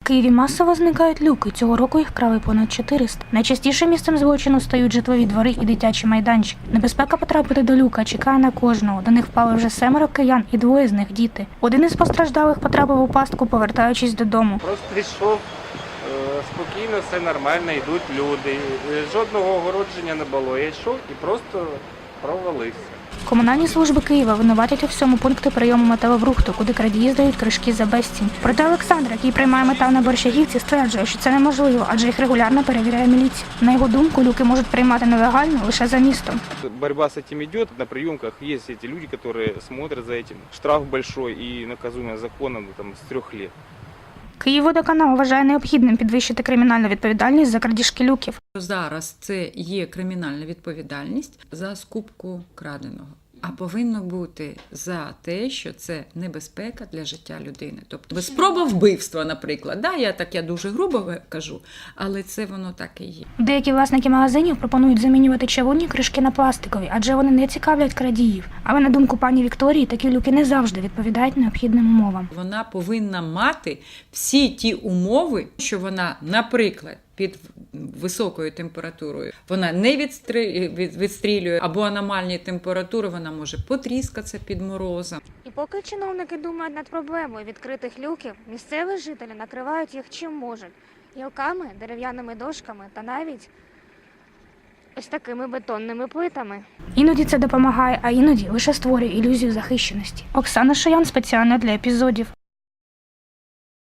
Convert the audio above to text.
Києві масово зникають люки. Цього року їх крали понад 400. Найчастішим місцем злочину стають житлові двори і дитячі майданчики. Небезпека потрапити до люка чекає на кожного. До них впали вже 7 киян і 2 з них діти. Один із постраждалих потрапив у пастку, повертаючись додому. Просто йшов спокійно, все нормально, йдуть люди. Жодного огородження не було. Я йшов і просто провалився. Комунальні служби Києва винуватять у всьому пункти прийому металобрухту, куди крадії здають кришки за безцінь. Проте Олександр, який приймає метал на Борщагівці, стверджує, що це неможливо, адже їх регулярно перевіряє міліція. На його думку, люки можуть приймати нелегально лише за містом. Борьба с этим идет. На приемках есть эти люди, которые смотрят за этим. Штраф большой и наказуемый законом с 3 лет. Київводоканал вважає необхідним підвищити кримінальну відповідальність за крадіжки люків. Зараз це є кримінальна відповідальність за скупку краденого. А повинно бути за те, що це небезпека для життя людини. Тобто спроба вбивства, наприклад. Я дуже грубо кажу, але це воно так і є. Деякі власники магазинів пропонують замінювати чавунні кришки на пластикові, адже вони не цікавлять крадіїв. Але на думку пані Вікторії, такі люки не завжди відповідають необхідним умовам. Вона повинна мати всі ті умови, що вона, наприклад, під високою температурою вона не відстрілює, або аномальні температури, вона може потріскатися під морозом. І поки чиновники думають над проблемою відкритих люків, місцеві жителі накривають їх чим можуть – гілками, дерев'яними дошками та навіть ось такими бетонними плитами. Іноді це допомагає, а іноді лише створює ілюзію захищеності. Оксана Шаян спеціально для епізодів.